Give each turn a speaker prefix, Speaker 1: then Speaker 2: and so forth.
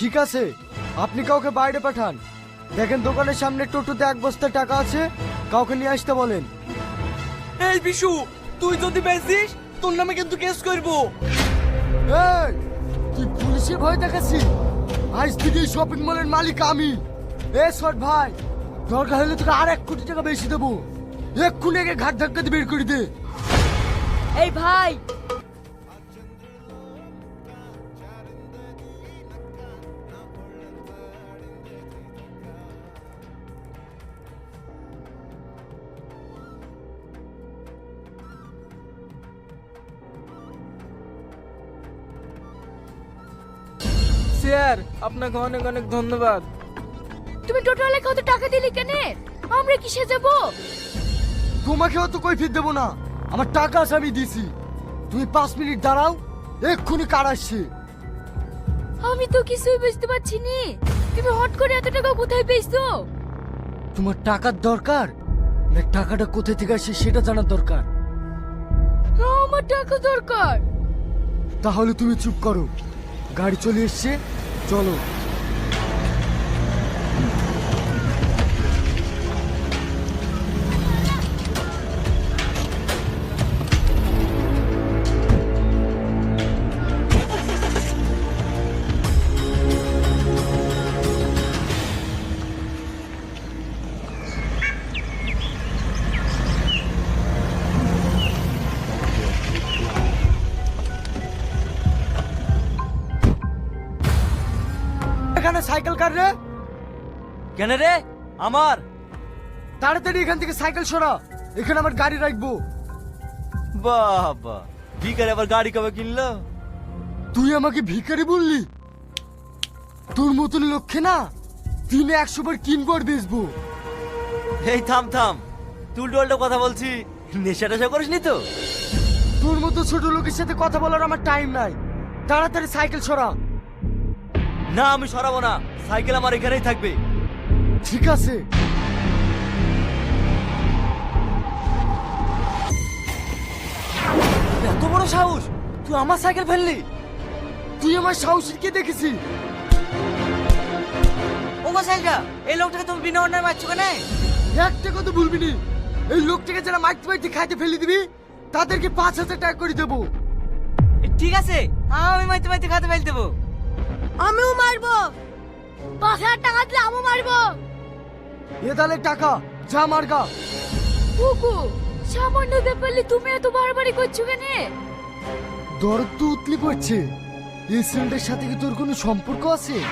Speaker 1: ঠিক আছে, আপনি কাউকে বাইরে পাঠান। দেখেন দোকানের সামনে টোটোতে এক বস্তা টাকা আছে, কাউকে নিয়ে আসতে বলেন।
Speaker 2: এই বিশু, তুই যদি বেচিস তোর নামে কিন্তু কেস করবো।
Speaker 1: এই, তুই পুলিশের ভয় দেখাচ্ছি? আজ থেকে শপিং মলের মালিক আমি। এ শট ভাই, দরকার হলে তোকে আর 1 কোটি টাকা বেশি দেবো। এক্ষুনি একে ঘাট ধাক্কা দিয়ে বের করে দে।
Speaker 3: এই ভাই,
Speaker 2: স্যার আপনাকে অনেক অনেক ধন্যবাদ।
Speaker 3: তুমি টোটোওয়ালাকে কত টাকা দিলি কেন? আমরা কিসে যাব?
Speaker 1: তোমাকে অত কৈফিয়ত দেবো না, আমার টাকা আছে আমি দিছি। তুমি 5 মিনিট দাঁড়াও, এক্ষুনি কার আসছে।
Speaker 3: আমি তো কিছুই বুঝতে পারছি নি। তুমি হট করে এত টাকা কোথায় পেয়েছো?
Speaker 1: তোমার টাকার দরকার না টাকাটা কোথা থেকে আসছে সেটা জানার দরকার?
Speaker 3: আমার টাকা দরকার।
Speaker 1: তাহলে তুমি চুপ করো, গাড়ি চলে এসছে, চলো। এখানে সাইকেল কার রে?
Speaker 2: কেন রে? আমার
Speaker 1: তাড়াতাড়ি এখান থেকে সাইকেল সরা, এখানে আমার গাড়ি রাখবো।
Speaker 2: বাবা, ভিখারি আবার গাড়ি কবে কিনলো?
Speaker 1: তুই আমাকে ভিখারি বললি? তোর মতন লক্ষ্যে না দিনে 100 বার কিনবো আর বেচবো।
Speaker 2: এই থাম থাম, তুই উল্টো কথা বলছি, নেশা টেশা করিসনি তো?
Speaker 1: তোর মতো ছোট লোকের সাথে কথা বলার আমার টাইম নাই। তাড়াতাড়ি সাইকেল সরা।
Speaker 2: না আমি সরাবো না, সাইকেল আমার এখানেই থাকবে।
Speaker 1: ঠিক আছে।
Speaker 2: এত বড় সাহস, তুই আমার সাইকেল ফেললি?
Speaker 1: তুই আমার সাহসী কে দেখেছি?
Speaker 4: ও গোসাইলটা, এই লোকটাকে তুমি বিনা অন্যায় মারছো কেন?
Speaker 1: একটা কথা ভুলবি নি, এই লোকটাকে যারা মাইতে মাইতে খাইতে ফেলে দিবি তাদেরকে 5000 টাকা করে দেবো।
Speaker 4: ঠিক আছে, আমি মাইতে মাইতে খাতে ফেল দেবো।
Speaker 3: আমিও মারবো। 5000 টাকা দিলে আমিও মারবো।
Speaker 1: এ তাহলে টাকা, যা মার্গা।
Speaker 3: কুকু, সামান্য ব্যাপারে তুমি এত বাড়াবাড়ি করছো কেন?
Speaker 1: দরদ তো উতলি পড়ছে। এই ছেলেটার সাথে কি তোর কোনো সম্পর্ক আছে?